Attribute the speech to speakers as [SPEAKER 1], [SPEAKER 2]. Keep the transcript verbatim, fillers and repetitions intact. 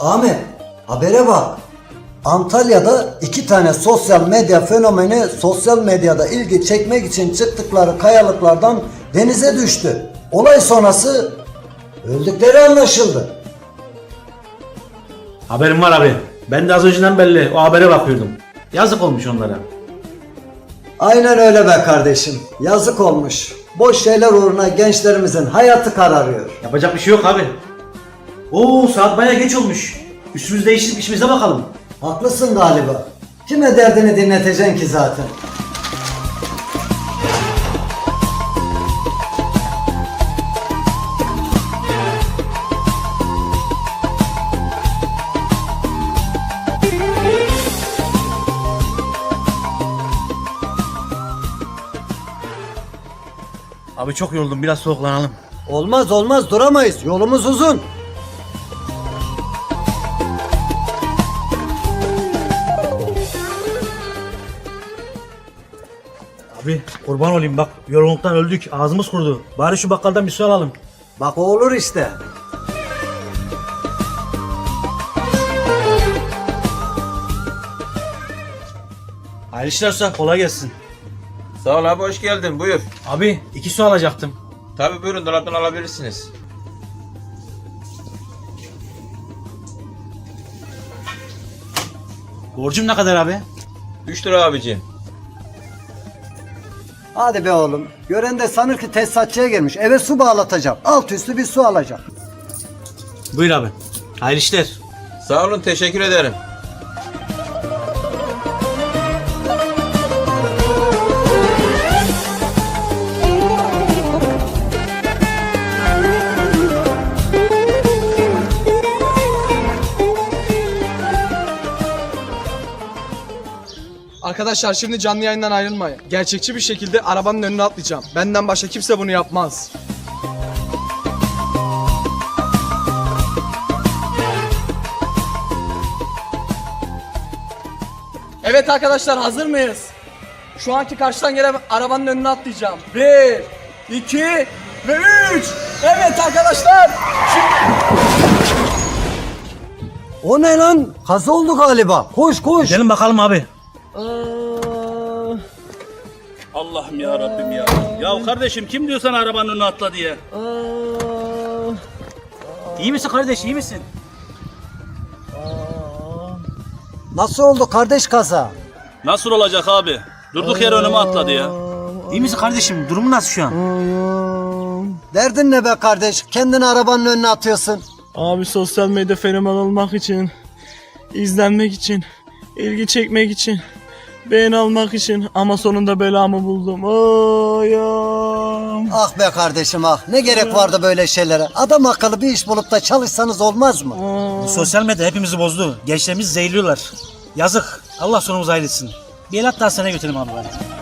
[SPEAKER 1] Ahmet, habere bak. Antalya'da iki tane sosyal medya fenomeni sosyal medyada ilgi çekmek için çıktıkları kayalıklardan denize düştü. Olay sonrası öldükleri anlaşıldı.
[SPEAKER 2] Haberim var abi. Ben de az önceden belli o habere bakıyordum. Yazık olmuş onlara.
[SPEAKER 1] Aynen öyle be kardeşim. Yazık olmuş. Boş şeyler uğruna gençlerimizin hayatı kararıyor.
[SPEAKER 2] Yapacak bir şey yok abi. Oo, saat bayağı geç olmuş. Üstümüzü değiştirip işimize bakalım.
[SPEAKER 1] Haklısın galiba. Kime derdini dinleteceksin ki zaten?
[SPEAKER 2] Abi çok yoruldum, biraz soluklanalım.
[SPEAKER 1] Olmaz olmaz, duramayız. Yolumuz uzun.
[SPEAKER 2] Abi kurban olayım bak, yorgunluktan öldük, ağzımız kurudu. Bari şu bakkaldan bir su alalım.
[SPEAKER 1] Bak o olur işte.
[SPEAKER 2] Hayırlı işler usta, kolay gelsin.
[SPEAKER 3] Sağ ol abi, hoş geldin, buyur.
[SPEAKER 2] Abi iki su alacaktım.
[SPEAKER 3] Tabii buyurun, dolaptan alabilirsiniz.
[SPEAKER 2] Borcum ne kadar abi?
[SPEAKER 3] üç lira abicim.
[SPEAKER 1] Hadi be oğlum. Gören de sanır ki tesisatçıya gelmiş. Eve su bağlatacağım. Alt üstü bir su alacağım.
[SPEAKER 2] Buyur abi. Hayırlı işler.
[SPEAKER 3] Sağ olun, teşekkür ederim.
[SPEAKER 4] Arkadaşlar şimdi canlı yayından ayrılmayın. Gerçekçi bir şekilde arabanın önüne atlayacağım. Benden başka kimse bunu yapmaz. Evet arkadaşlar, hazır mıyız? Şu anki karşıdan gelen arabanın önüne atlayacağım. Bir, iki ve üç. Evet arkadaşlar.
[SPEAKER 1] O ne lan? Kaza oldu galiba. Koş koş.
[SPEAKER 2] Gidelim bakalım abi.
[SPEAKER 5] Allah'ım ya Rabbim ya. Ya kardeşim kim diyor sana arabanın önüne atla diye?
[SPEAKER 2] İyi misin kardeş, iyi misin?
[SPEAKER 1] Nasıl oldu kardeş kaza?
[SPEAKER 5] Nasıl olacak abi? Durduk yere önüme atladı ya.
[SPEAKER 2] İyi misin kardeşim? Durumun nasıl şu an?
[SPEAKER 1] Derdin ne be kardeş? Kendini arabanın önüne atıyorsun.
[SPEAKER 4] Abi sosyal medya fenomen olmak için, izlenmek için, ilgi çekmek için, beğeni almak için ama sonunda belamı buldum. Ayam.
[SPEAKER 1] Ah be kardeşim ah. Ne gerek vardı böyle şeylere? Adam akıllı bir iş bulup da çalışsanız olmaz mı?
[SPEAKER 2] Bu sosyal medya hepimizi bozdu. Gençlerimizi zehirliyorlar. Yazık. Allah sonumuzu hayretsin. Bir el hatta hastaneye götürelim abi bari.